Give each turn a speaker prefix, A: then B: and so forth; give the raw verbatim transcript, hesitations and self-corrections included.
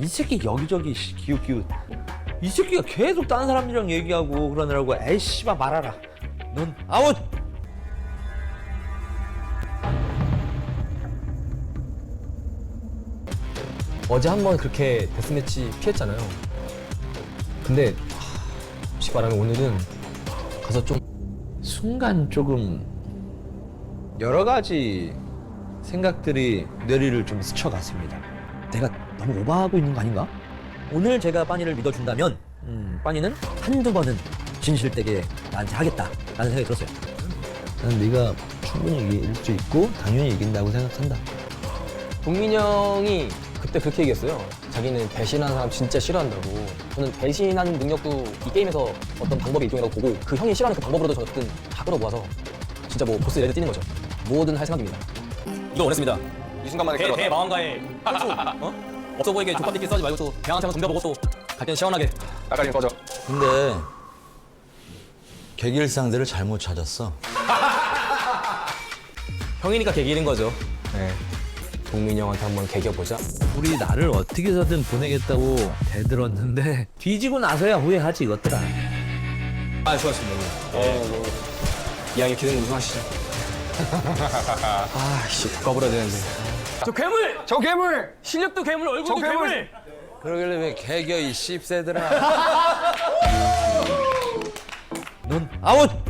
A: 이 새끼 여기저기 씨, 기웃기웃. 이 새끼가 계속 다른 사람들이랑 얘기하고 그러느라고 에이 씨발 말아라. 넌 아웃!
B: 어제 한번 그렇게 데스매치 피했잖아요. 근데 하, 솔직히 말하면 오늘은 가서 좀
A: 순간 조금 여러 가지 생각들이 뇌리를 좀 스쳐갔습니다. 내가 너무 오버하고 있는 거 아닌가? 오늘 제가 빠니를 믿어준다면 음, 빠니는 한두 번은 진실되게 나한테 하겠다라는 생각이 들었어요. 나는 네가 충분히 이길 수 있고 당연히 이긴다고 생각한다.
B: 동민이 형이 그때 그렇게 얘기했어요. 자기는 배신하는 사람 진짜 싫어한다고. 저는 배신하는 능력도 이 게임에서 어떤 방법의 일종이라고 보고 그 형이 싫어하는 그 방법으로도 저는 다 끌어모아서 진짜 뭐 보스 레드 뛰는 거죠. 뭐든 할 생각입니다.
C: 이거 원했습니다.
D: 이 순간만에
C: 대,
D: 끌어다.
C: 대마왕가에 또 어? 없어 보이게 족밥들끼리 싸우지 말고 또 대왕한테 한번 덤벼보고 또 갈 때는 시원하게.
D: 나가림 꺼져.
E: 근데 계길상대를 잘못 찾았어.
C: 형이니까 개기는 거죠.
B: 네. 동민이 형한테 한번 개겨보자.
A: 우리 나를 어떻게 해서든 보내겠다고 대들었는데 뒤지고 나서야 후회하지 이것들아.
C: 아 좋았습니다. 예. 이왕에 기능 우승하시죠. 아씨 바꿔버려야 되는데. 저 괴물!
D: 저 괴물!
C: 실력도 괴물, 얼굴도
D: 저 괴물!
C: 괴물!
E: 그러길래 왜 개겨 이 씹새들아.
A: 넌 아웃!